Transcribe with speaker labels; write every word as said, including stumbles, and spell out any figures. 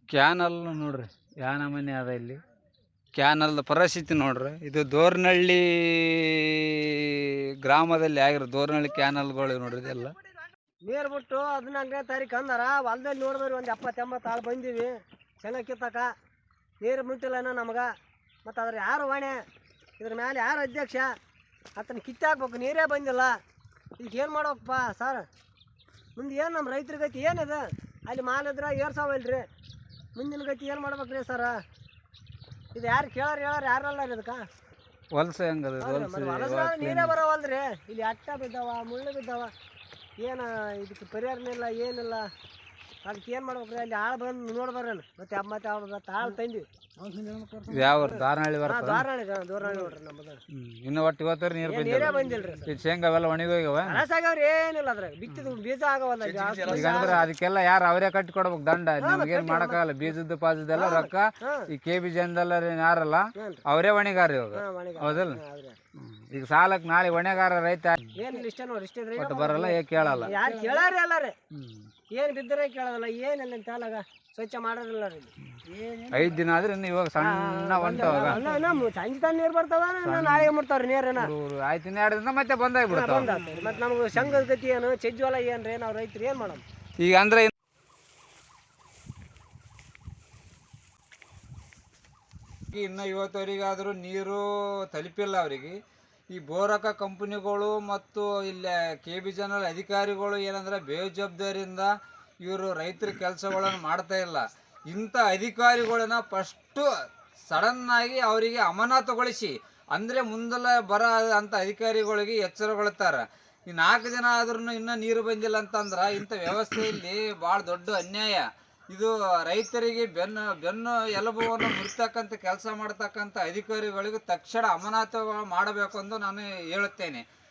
Speaker 1: Canal ನೋಡ್ರಿ ಯಾ ನಮೂನಿ ಅದ ಇಲ್ಲಿ ಕ್ಯಾನಲ್ ಪರಿಸ್ಥಿತಿ ನೋಡ್ರಿ. ಇದು ದೋರ್ನಹಳ್ಳಿ ಗ್ರಾಮದಲ್ಲಿ ಆಗಿರೋ ದೋರ್ನಹಳ್ಳಿ ಕ್ಯಾನಲ್ಗಳು ನೋಡ್ರಿ ಇದೆಲ್ಲ
Speaker 2: ನೀರು ಬಿಟ್ಟು ಹದಿನಾಲ್ಕನೇ ತಾರೀಕು ಅಂದಾರ ಹೊಲ್ದಲ್ಲಿ ನೋಡಿದ್ರಿ ಒಂದು ಎಪ್ಪತ್ತು ಎಂಬತ್ತು ಆಳು ಬಂದೀವಿ ಶೇಂಗಾ ಕಿತ್ತಕ. ನೀರು ಮುಟ್ಟಿಲ್ಲನ ನಮ್ಗೆ. ಮತ್ತು ಅದ್ರ ಯಾರು ಹೊಣೆ, ಇದ್ರ ಮೇಲೆ ಯಾರು ಅಧ್ಯಕ್ಷ, ಆತನ ಕಿತ್ತಾಕ್ಬೇಕು. ನೀರೇ ಬಂದಿಲ್ಲ. ಈಗ ಏನು ಮಾಡ್ಬೇಕಪ್ಪ ಸರ್? ಮುಂದೆ ಏನು ನಮ್ಮ ರೈತರ ಗತಿ ಏನಿದೆ? ಅಲ್ಲಿ ಮಾಲಿದ್ರೆ ಏರ್ಸಾವಲ್ರಿ. ಮುಂದಿನ ಗತಿ ಏನು ಮಾಡ್ಬೇಕ್ರಿ ಸರ? ಇದು ಯಾರು ಕೇಳಾರ ಹೇಳಾರ ಯಾರಲ್ಲ ರೀ ಇದಕ್ಕೆ
Speaker 1: ಹೊಲಸ ಹೆಂಗದ
Speaker 2: ನೀರೇ ಬರೋವಲ್ರಿ. ಇಲ್ಲಿ ಅಟ್ಟ ಬಿದ್ದಾವ, ಮುಳ್ಳು ಬಿದ್ದಾವ. ಏನು ಇದಕ್ಕೆ ಪರಿಹಾರನೇ ಇಲ್ಲ, ಏನಿಲ್ಲ. ಅದಕ್ಕೆ ಏನು ಮಾಡ್ಬೇಕ್ರಿ? ಅಲ್ಲಿ ಆಳು ಬಂದು ನೋಡ್ಬಾರೇನು? ಮತ್ತೆ ಮತ್ತೆ ಮತ್ತೆ ಆಳು ತಂದ್ವಿ.
Speaker 1: ಯಾವ ದಾರನಹಳ್ಳಿ ಬರ್ತದೆ?
Speaker 2: ದಾರನಹಳ್ಳಿ ದೂರನಹಳ್ಳಿ ನೋಡ್ರಿ ನಮ್ಮದು.
Speaker 1: ಇನ್ನು ಒಟ್ಟು ಇವತ್ತು ನೀರು
Speaker 2: ನೀರೇ ಬಂದಿಲ್ರಿ.
Speaker 1: ಈ ಶೇಂಗಾ ಅವೆಲ್ಲ ಒಣಗೋಗ್ಯವ,
Speaker 2: ಹಳಸಾಗ್ಯಾವ್ರಿ. ಏನಿಲ್ಲ ಅದ್ರಾಗ ಬಿತ್ತಿದ ಬೀಜ ಆಗವಲ್ಲ.
Speaker 1: ಈಗ ಅಂದ್ರೆ ಅದಕ್ಕೆಲ್ಲ ಯಾರು ಅವರೇ ಕಟ್ಟಿ ಕೊಡ್ಬೇಕು ದಂಡ. ನಮ್ಗೇನ್ ಮಾಡಕ್ಕಾಗಲ್ಲ. ಬೀಜದ ಪಾಜದೆಲ್ಲ ರೊಕ್ಕ ಈ ಕೆ ಬಿ ಜನದೆಲ್ಲ ಯಾರಲ್ಲ ಅವರೇ ಹೊಣೆಗಾರ ಇವಾಗ, ಹೌದಲ್ಲ? ಈಗ ಸಾಲಕ್ ನಾಳೆ ಹೊಣೆಗಾರ ರೈತ
Speaker 2: ಏನಿಲ್ಲ. ಇಷ್ಟ ನೋಡಿ, ಇಷ್ಟ ಇದ್ರೆ
Speaker 1: ಒಟ್ಟು ಬರಲ್ಲ, ಏ ಕೇಳಲ್ಲ.
Speaker 2: ಯಾರು ಕೇಳಾರಿ ಅಲ್ಲ ರೀ. ಏನು ಬಿದ್ದರೆ ಕೇಳೋದಲ್ಲ, ಏನಿಲ್ಲ ಅಂತ ಹೇಳಾಗ ಸ್ವಚ್ಛ ಮಾಡೋದಿಲ್ಲ ರೀ.
Speaker 1: ಐದ್ ದಿನ ಆದ್ರೆ ಇನ್ನು ಇವಾಗ ಸಣ್ಣ ಹೊಂಟವಾಗ
Speaker 2: ಸಂಜೆ ತಾನು ನೀರು ಬರ್ತಾವ, ನಾಳೆಗೆ ಮುಟ್ತಾವ್ರಿ ನೀರೇನ.
Speaker 1: ಆಯ್ತು ಇನ್ನು ಎರಡು ದಿನ ಮತ್ತೆ ಬಂದಾಗ್ಬಿಡ್ತಾವ.
Speaker 2: ಮತ್ತೆ ನಮ್ಗೆ ಸಂಘದ ಗತಿ ಏನು, ಚೆಜ್ಜೋಲ ಏನ್ರಿ? ನಾವು ರೈತರು ಏನು ಮಾಡೋಣ
Speaker 1: ಈಗ? ಅಂದ್ರೆ ಇನ್ನು ಇವತ್ತವರಿಗಾದರೂ ನೀರು ತಲುಪಿಲ್ಲ ಅವರಿಗೆ. ಈ ಬೋರಕ ಕಂಪನಿಗಳು ಮತ್ತು ಇಲ್ಲಿ ಕೆ ಬಿ ಜನರಲ್ ಅಧಿಕಾರಿಗಳು ಏನಂದ್ರೆ ಬೇಜವಾಬ್ದಾರಿಯಿಂದ ಇವರು ರೈತರ ಕೆಲಸಗಳನ್ನು ಮಾಡ್ತಾ ಇಲ್ಲ. ಇಂಥ ಅಧಿಕಾರಿಗಳನ್ನ ಫಸ್ಟು ಸಡನ್ನಾಗಿ ಅವರಿಗೆ ಅಮಾನತುಗೊಳಿಸಿ, ಅಂದರೆ ಮುಂದೆಲ್ಲ ಬರೋ ಅಂಥ ಅಧಿಕಾರಿಗಳಿಗೆ ಎಚ್ಚರಗೊಳ್ತಾರೆ. ಈ ನಾಲ್ಕು ದಿನ ಆದ್ರೂ ಇನ್ನೂ ನೀರು ಬಂದಿಲ್ಲ ಅಂತಂದ್ರೆ ಇಂಥ ವ್ಯವಸ್ಥೆಯಲ್ಲಿ ಭಾಳ ದೊಡ್ಡ ಅನ್ಯಾಯ. ಇದು ರೈತರಿಗೆ ಬೆನ್ನು ಬೆನ್ನು ಎಲುಬುವನ್ನು ಮುರಿತಕ್ಕಂಥ ಕೆಲಸ ಮಾಡ್ತಕ್ಕಂಥ ಅಧಿಕಾರಿಗಳಿಗೆ ತಕ್ಷಣ ಅಮಾನತು ಮಾಡಬೇಕು ಎಂದು ನಾನು ಹೇಳುತ್ತೇನೆ.